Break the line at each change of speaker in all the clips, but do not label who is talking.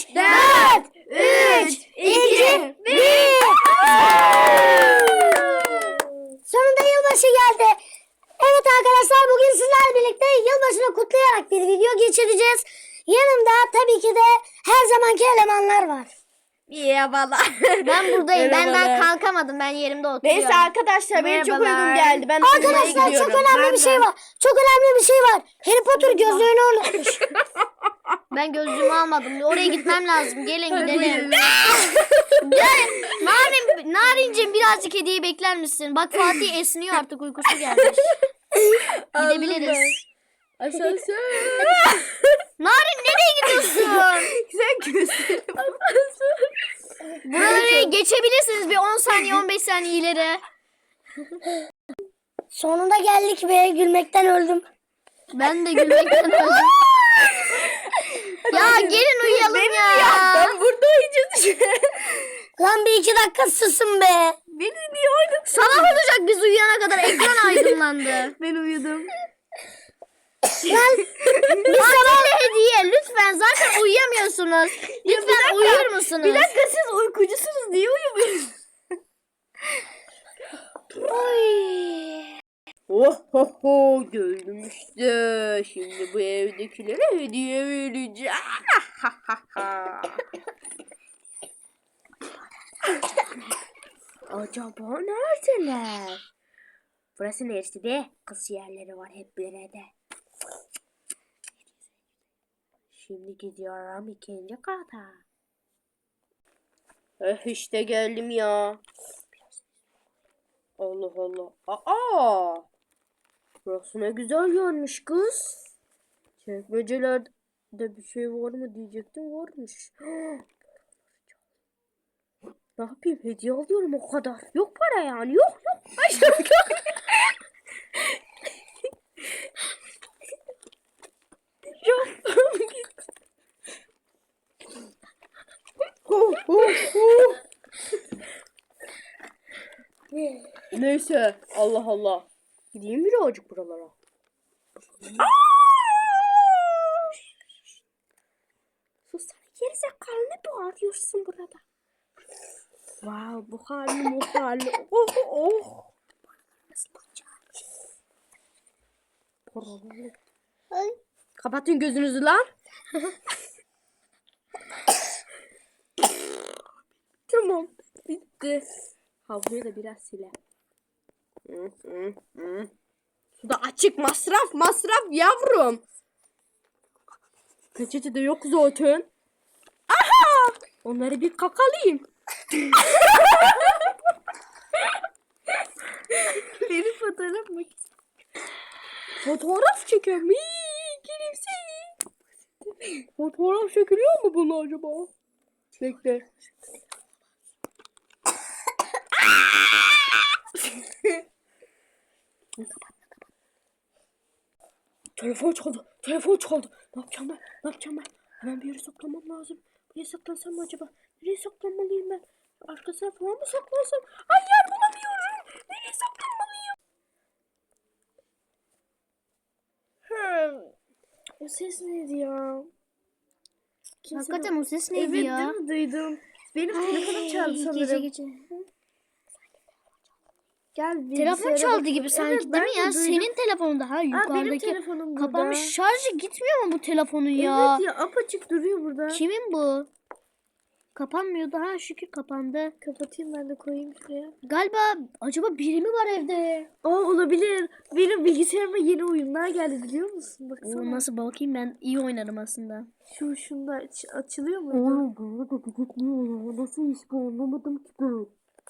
4, 3, 2, 1. Sonunda yılbaşı geldi. Evet arkadaşlar, bugün sizlerle birlikte yılbaşını kutlayarak bir video geçireceğiz. Yanımda tabii ki de her zamanki elemanlar var.
Merhabalar.
Ben buradayım. Ben kalkamadım. Ben yerimde oturuyorum.
Neyse arkadaşlar, benim çok uygun geldi. Ben
Arkadaşlar çok önemli bir şey var. Çok önemli bir şey var. Harry Potter gözlüğünü unutmuş.
Ben gözlüğümü almadım. Oraya gitmem lazım. Gelin gidelim. Gel. Narinciğim birazcık hediye bekler misin? Bak Fatih esniyor artık, uykusu gelmiş. Gidebiliriz.
Asansör.
Narin nereye gidiyorsun?
Sen göster.
Buraları geçebilirsiniz bir 10 saniye 15 saniye ileri.
Sonunda geldik ve gülmekten öldüm.
Ben de gülmekten öldüm. Ya gelin uyuyalım ya.
Ben burada uyuyacağız.
Lan bir 2 dakika susun be.
Beni niye oynadın?
Sabah olacak biz uyuyana kadar, ekran aydınlandı.
Ben uyudum.
Fatih'le hediye lütfen, zaten uyuyamıyorsunuz. Lütfen uyur musunuz?
Bir dakika, siz uykucusunuz. Niye uyumuyorsunuz? Oh ho ho, gördüm işte. Şimdi bu evdekilere hediye vereceğim. Acaba neredeler? Burası neresi de? Kız yerleri var hep bir yerde. Şimdi gidiyorum ikinci kata. İşte geldim ya. Allah Allah. Aa! Burası ne güzel görmüş kız. Çekmecelerde bir şey var mı diyecektim, varmış. Ne yapayım, hediye alıyorum o kadar. Yok para yani, yok. Neyse, Allah Allah. Gideyim birazcık buralara. Sus sen, gerizekalı, ne bağırıyorsun burada? Wow, bu hali. Oh. Kapatın gözünüzü lan. Tamam, bitti. Havluyu da biraz sile. Su da açık, masraf yavrum. Peçete de yok zaten. Aha! Onları bir kakalayayım. Benim fotoğraf mı? Fotoğraf çekelim. Fotoğraf çekiliyor mu bunu acaba? Bekle. Telefon çaldı. Ne yapacağım ben? Hemen bir yere saklamam lazım. Nereye saklansam mı acaba? Nereye saklanmalıyım ben? Arkasına falan mı saklansam? Ay, yer bulamıyorum. Nereye saklanmalıyım? O ses neydi ya?
Hakikaten o ses neydi
evet,
ya?
değil mi? Duydum. Benim telefonum çaldı sanırım.
Gece.
Gel,
Telefon çaldı gibi
evet,
sanki, değil
ben
mi
de
ya?
duydum.
Senin telefonun daha
Benim
yukarıdaki.
telefonum burada.
Kapanmış, şarjı gitmiyor mu bu telefonun ya?
Evet ya, apaçık duruyor burada.
Kimin bu? Kapanmıyordu, ha şükür kapandı.
Kapatayım, ben de koyayım şuraya.
Galiba acaba biri mi var evde?
Olabilir. Benim bilgisayarıma yeni oyunlar geldi, biliyor musun? Baksana.
Nasıl, bakayım, ben iyi oynarım aslında.
Şunda açılıyor mu?
Burada da gitmiyor. Nasıl iş bu, anlamadım ki ben.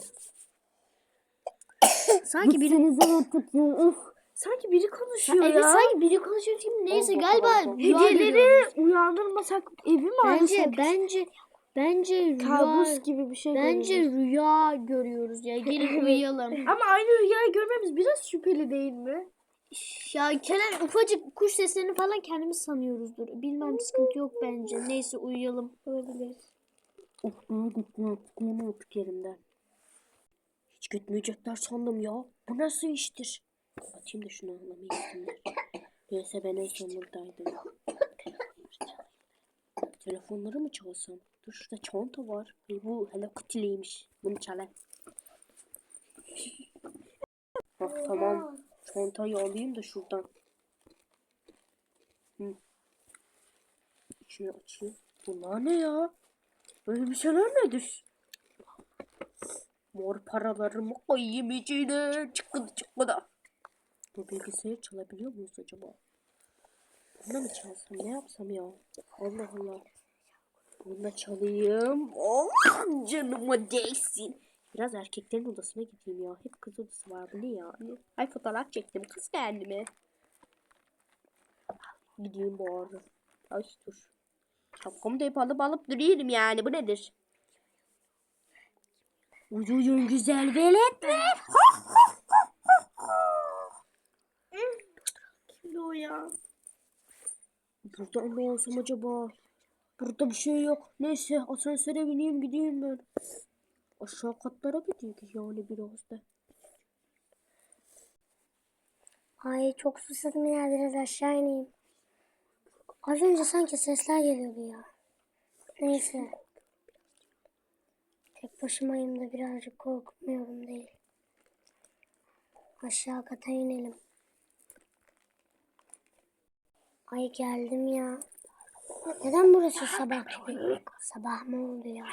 Sanki biri
artık ya. Of.
Sanki biri konuşuyor
evet,
ya.
sanki biri konuşuyor şimdi. Neyse,
Allah
galiba
Allah.
rüya
Hediyeleri
görüyoruz.
uyandırmasak evi mi arasak?
Bence rüya.
Kabus gibi bir şey
Bence
görüyoruz.
rüya görüyoruz ya. Gelin uyuyalım.
Ama aynı rüyayı görmemiz biraz şüpheli değil mi?
Ya Kerem, ufacık kuş seslerini falan kendimiz sanıyoruzdur. Bilmem, sıkıntı yok bence. Neyse uyuyalım.
Olabilir.
Of, daha gitmiyor. Çıkayım artık yerimden.
Hiç gitmeyecekler sandım ya. Bu nasıl iştir? Atayım da şunu anlamayı gitsinler. Neyse, ben en son buradaydım. Telefonları mı çalsam? Dur şurada çanta var. Bu Hello Kitty'liymiş. Bunu çalayım. Tamam. Çantayı alayım da şuradan. İçini açayım. Bunlar ne ya? Böyle bir şeyler nedir? Mor paralarımı koyayım içine. Çıkkıda. Bu bilgisayarı çalabiliyor muyuz acaba? Buna mı çalsam? Ne yapsam ya? Allah Allah. Bunu çalayım. Oh, canıma değsin. Biraz erkeklerin odasına gideyim ya. Hep kız odası var. Bu ne ya? Ay fotoğraf çektim. Kız kendime. Gideyim bu arada. Ay dur. Şapkamı da hep alıp duruyorum yani. Bu nedir? Uyuyun güzel veletler. Kim o ya? Burada ne olsam acaba? Burada bir şey yok. Neyse asansöre bineyim gideyim ben. Aşağı katlara gideyim yani biraz da.
Ay çok susadım ya, biraz aşağı ineyim. Az önce sanki sesler geliyordu ya. Neyse. Tek başımayım da birazcık korkmuyorum değil. Aşağı kata inelim. Ay geldim ya. Neden burası sabah gibi? Sabah mı oldu ya?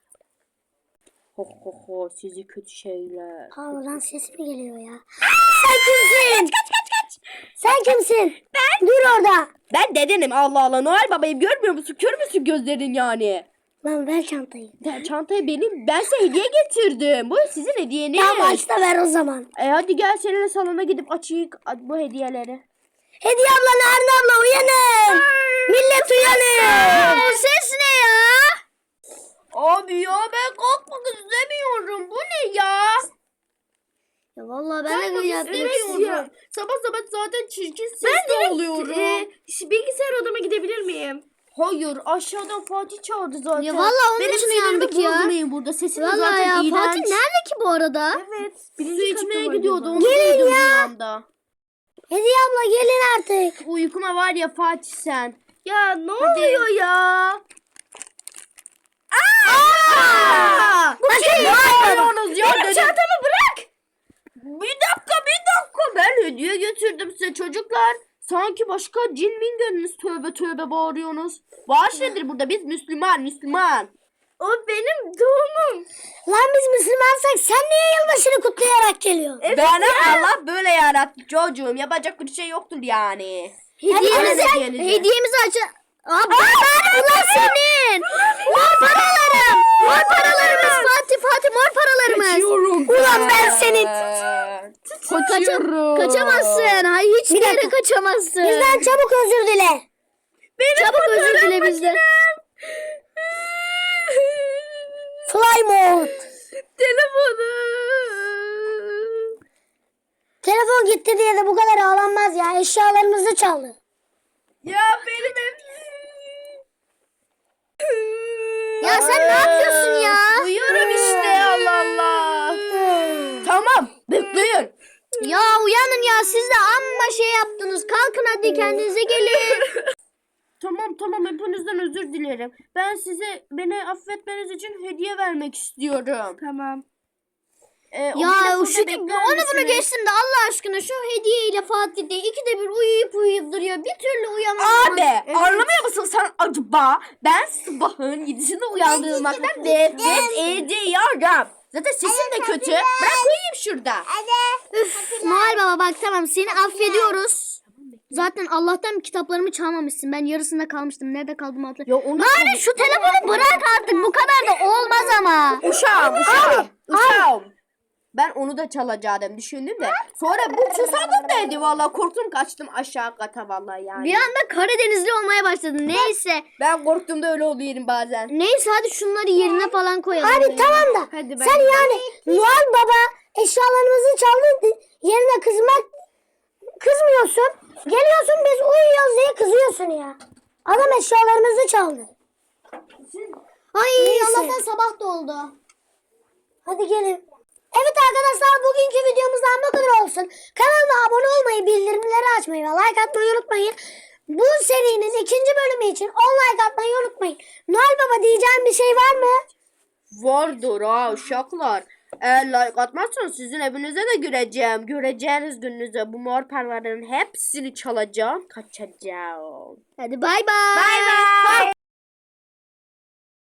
Ho sizi kötü şeyler.
Oradan ses mi geliyor ya? Sen kimsin? Kaç. Sen kimsin? Ben. Dur orada.
Ben dedenim Allah Allah. Noel babayım görmüyor musun? Kör müsün gözlerin yani?
Lan ver çantayı.
Çantayı ben size hediye getirdim. Bu sizin hediyeniz.
Ya başta ver o zaman.
Hadi gel seninle salona gidip açayım bu hediyeleri.
Hediye abla, Narin abla uyanın. Millet uyanın.
Bu ses ne ya?
Abi ya ben kalkmak istemiyorum. Bu ne ya?
Ya vallahi ben de yapmak
İstemiyorum. Sabah zaten çirkin sesli oluyorum.
Bilgisayar odama gidebilir miyim?
Hayır aşağıdan Fatih çağırdı zaten.
Ya vallahi onun için uyandık ya.
Bozmayın burada sesiniz
Vallahi
zaten
ya
iğrenç.
Fatih nerede ki bu arada?
Evet. Su içmeye gidiyordu onu
Gelin
duydum
ya.
bir anda.
Hediye abla gelin artık.
Uykuma var ya Fatih sen. Ya ne oluyor ya?
Bakın
Ne yapıyorsunuz ya?
Benim çantamı bırak.
Bir dakika. Ben hediye getirdim size çocuklar. Sanki başka cin min gönlünüz tövbe bağırıyorsunuz. Bağış nedir burada? Biz Müslüman.
O benim doğumum.
lan biz Müslümansak sen niye yılbaşını kutlayarak geliyorsun?
Bana Allah böyle yarattı çocuğum. Yapacak bir şey yoktur yani.
Hediyemizi aç. Ulan senin. Mor paralarımız Fatih mor paralarımız.
Ulan ben senin.
Kaçamazsın. Hayır hiçbir yere kaçamazsın.
Bizden çabuk özür dile.
Çabuk özür dile bizden.
Fly mode. Telefon gitti diye de bu kadar ağlanmaz ya. Eşyalarımızı çaldı.
Ya benim
Ya sen ne yapıyorsun ya?
Uyuyorum işte Allah. Tamam bekleyin.
Ya uyanın ya siz de amma şey yaptınız. Kalkın hadi kendinize gelin.
Tamam hepinizden özür dilerim. Ben size beni affetmeniz için hediye vermek istiyorum. Tamam.
Ya onu bunu geçsin de Allah aşkına şu hediyeyle Fatih de ikide bir uyuyup duruyor. Bir türlü uyamaz.
Abi anlamıyor musun sen acaba? Ben sabahın 7'sinde uyandırılmaktan nefret ediyorum. Zaten sesim de kötü. Bırak uyuyayım şurada.
Üf, Noel Baba bak tamam seni affediyoruz. Zaten Allah'tan kitaplarımı çalmamışsın. Ben yarısında kalmıştım. Nerede kaldım hatırlamıyorum.
Ya onu
Narin şu telefonu bırak artık. Bu kadar da olmaz ama.
Uşağım. Ben onu da çalacaktım düşündüm de. Sonra bu susadım dedi valla korktum kaçtım aşağı kata valla yani.
Bir anda Karadenizli olmaya başladın. Neyse.
Ben korktuğumda öyle oluyorum bazen.
Neyse hadi şunları yerine falan koyalım.
Abi tamam da
Hadi ben
sen yani Noel Baba eşyalarımızı çaldı yerine kızmıyorsun. Geliyorsun biz uyuyoruz diye kızıyorsun ya. Adam eşyalarımızı çaldı.
Ay
Neyse.
Allah'tan sabah da oldu.
Hadi gelin. Evet arkadaşlar bugünkü videomuzdan bu kadar olsun. Kanalıma abone olmayı, bildirimleri açmayı ve like atmayı unutmayın. Bu serinin 2. bölümü için 10 like atmayı unutmayın. Noel Baba diyeceğim bir şey var mı?
Vardır ha uşaklar. Eğer like atmazsanız sizin evinize de gireceğim. Göreceğiniz gününüzde bu mor paraların hepsini çalacağım. Kaçacağım.
Hadi bay bay.
Bay bay.